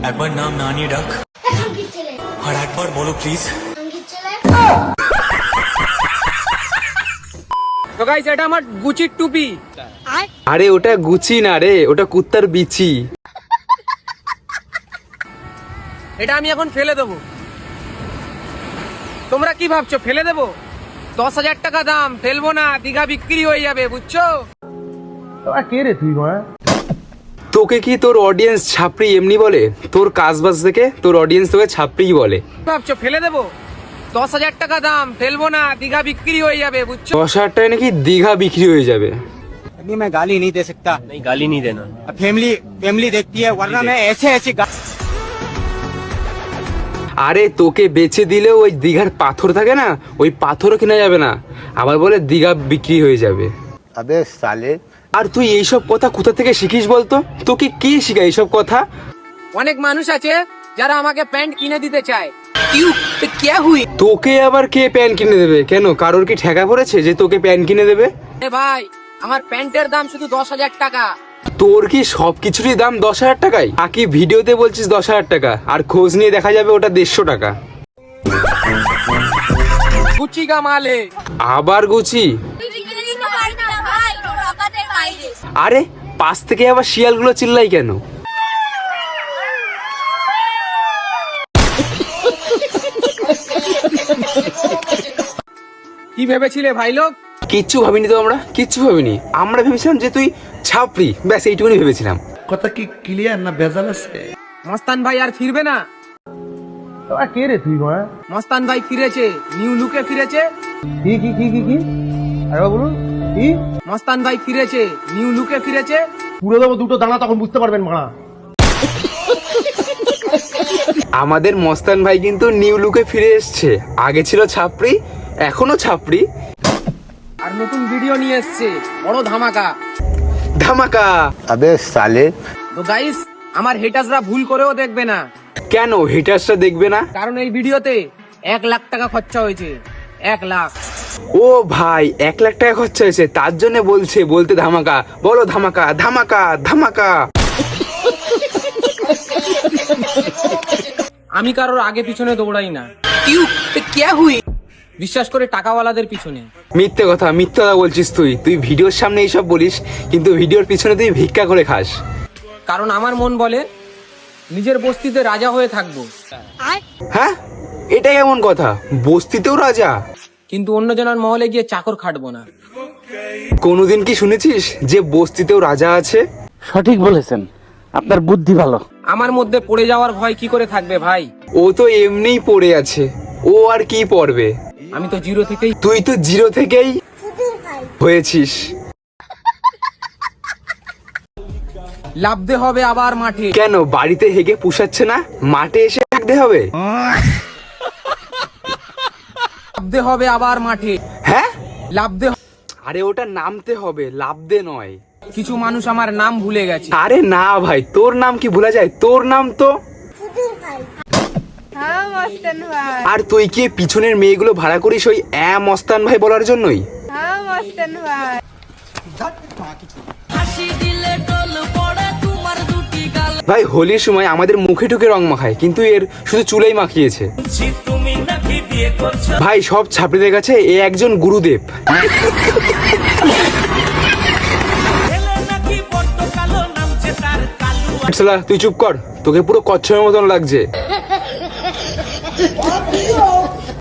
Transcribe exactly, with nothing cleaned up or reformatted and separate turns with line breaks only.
একবার নাম না নিয়ে ডাক আর একবার বলো প্লিজ।
তো গাইস এটা আমার গুচির টুপি।
আরে ওটা গুচি না রে, ওটা কুত্তার বিচি।
এটা আমি এখন ফেলে দেবো। তোমরা কি ভাবছো ফেলে দেবো? দশ হাজার টাকা দাম, ফেলবো না, দীঘা বিক্রি হয়ে যাবে, বুঝছো?
কে রে তুই?
তোকে কি তোর অডিয়েন্স ছাপড়ি এমনি বলে? তোর কাজবাজ থেকে তোর অডিয়েন্স তোকে ছাপড়ি বলে।
ভাবছো ফেলে দেবো? দশ হাজার টাকা দাম, ফেলবো না, দীঘা বিক্রি হয়ে যাবে, বুঝছো?
দশ হাজার টাকায় নাকি দীঘা বিক্রি হয়ে যাবে।
नहीं मैं गाली नहीं दे सकता।
नहीं गाली नहीं देना।
फैमिली फैमिली देखती है वरना मैं ऐसे ऐसे
আরে তোকে বেচে দিলেও ওই দীঘার পাথর থাকে না, ওই পাথরও কিনা যাবে না, আবার বলে দীঘা বিক্রি হয়ে যাবে।
अबे साले
আর তুই এইসব কথা কোথা থেকে শিখিস বলতো? তোকে কে শিখায় এইসব কথা?
অনেক মানুষ আছে যারা আমাকে প্যান্ট কিনে দিতে চায়। কিউ কে হুই?
তোকে আবার কে প্যান্ট কিনে দেবে? কেন, কারোর কি ঠেকা পড়েছে যে তোকে প্যান্ট কিনে দেবে?
এ ভাই, আমার প্যান্টের দাম শুধু দশ হাজার টাকা।
তোর কি সবকিছুরই দাম দশ হাজার টাকায়? আকি ভিডিওতে বলছিস দশ হাজার টাকা, আর খোঁজ নিয়ে দেখা যাবে ওটা দেড়শো টাকা।
গুচি কা মালে।
আবার গুচি? আরে পাশ থেকে আবার শিয়ালগুলো চিল্লাই কেন?
কি ভেবেছিলে ভাই লোক?
কিচ্ছু ভাবিনি তো, আমরা কিচ্ছু ভাবিনি। আমরা ভেবেছিলাম যে তুই ছাপড়ি, ব্যাস এইটুকুনি ভেবেছিলাম।
কথা কি ক্লিয়ার না ভেজাল আছে?
মস্তান ভাই আর ফিরবে না।
কে রে তুই?
মস্তান ভাই ফিরেছে, নিউ লুকে ফিরেছে।
কি কি কি কি কি আরে বলুন কি?
মস্তান ভাই ফিরেছে, নিউ লুকে ফিরেছে।
পুরো দেবো দুটো দানা, তখন বুঝতে পারবেন মারা।
আমাদের মস্তান ভাই কিন্তু নিউ লুকে ফিরে এসছে। আগে ছিল ছাপড়ি, এখনো ছাপড়ি।
আর নতুন ভিডিও নিয়ে এসছে, বড় ধামাকা।
ধামাকা?
अबे साले
তো গাইস, আমার হেটার্সরা ভুল করেও দেখবে না,
কেন হেটার্সটা দেখবে না?
কারণ এই ভিডিওতে এক লাখ টাকা খরচা হয়েছে। এক লাখ।
ও ভাই, এক লাখ টাকা খরচা হয়েছে, তার জন্য বলছে বলতে ধামাকা। বলো ধামাকা ধামাকা ধামাকা।
আমি কারোর আগে পিছনে দৌড়াই না। কিউ কে হুই? বিশ্বাস করে টাকাওয়ালাদের পিছনে।
মিথ্যে কথা, মিথ্যে কথা বলছিস তুই। তুই ভিডিওর সামনে এইসব বলিস, কিন্তু ভিডিওর পিছনে তুই ভিক্ষা করে খাস।
কারণ আমার মন বলে নিজের বস্তিতে রাজা হয়ে থাকবো।
হ্যাঁ, এটা কেমন কথা? বস্তিতেও রাজা?
কিন্তু অন্যজনের মহলে গিয়ে চাকর খাটবো না।
কোনোদিন কি শুনেছিস যে বস্তিতেও রাজা আছে?
সঠিক বলেছেন, আপনার বুদ্ধি ভালো।
আমার মধ্যে পড়ে যাওয়ার ভয় কি করে থাকবে ভাই?
ও তো এমনিই পড়ে আছে, ও আর কি পড়বে?
আমি তো জিরো থেকেই।
তুই তো জিরো থেকেই হয়েছিস।
লাভতে হবে আবার মাঠে।
কেন, বাড়িতে হেগে পুষাচ্ছে না, মাঠে এসে থাকতে হবে?
লাভতে হবে আবার মাঠে।
হ্যাঁ,
লাভতে।
আরে ওটা নামতে হবে, লাভতে নয়।
কিছু মানুষ আমার নাম ভুলে গেছে।
আরে না ভাই, তোর নাম কি ভোলা যায়? তোর নাম তো। আর তুই কি পিছনের মেয়েগুলো ভাড়া করিস ওই অ্যা মস্তান ভাই বলার জন্যই? ভাই হোলির সময় আমাদের মুখে ঠুকে রং মাখায়, কিন্তু এর শুধু চুলেই মাখিয়েছে। ভাই সব ছাপড়িদের কাছে এ একজন গুরুদেব। তুই চুপ কর, তোকে পুরো কচ্ছপের মতন লাগছে।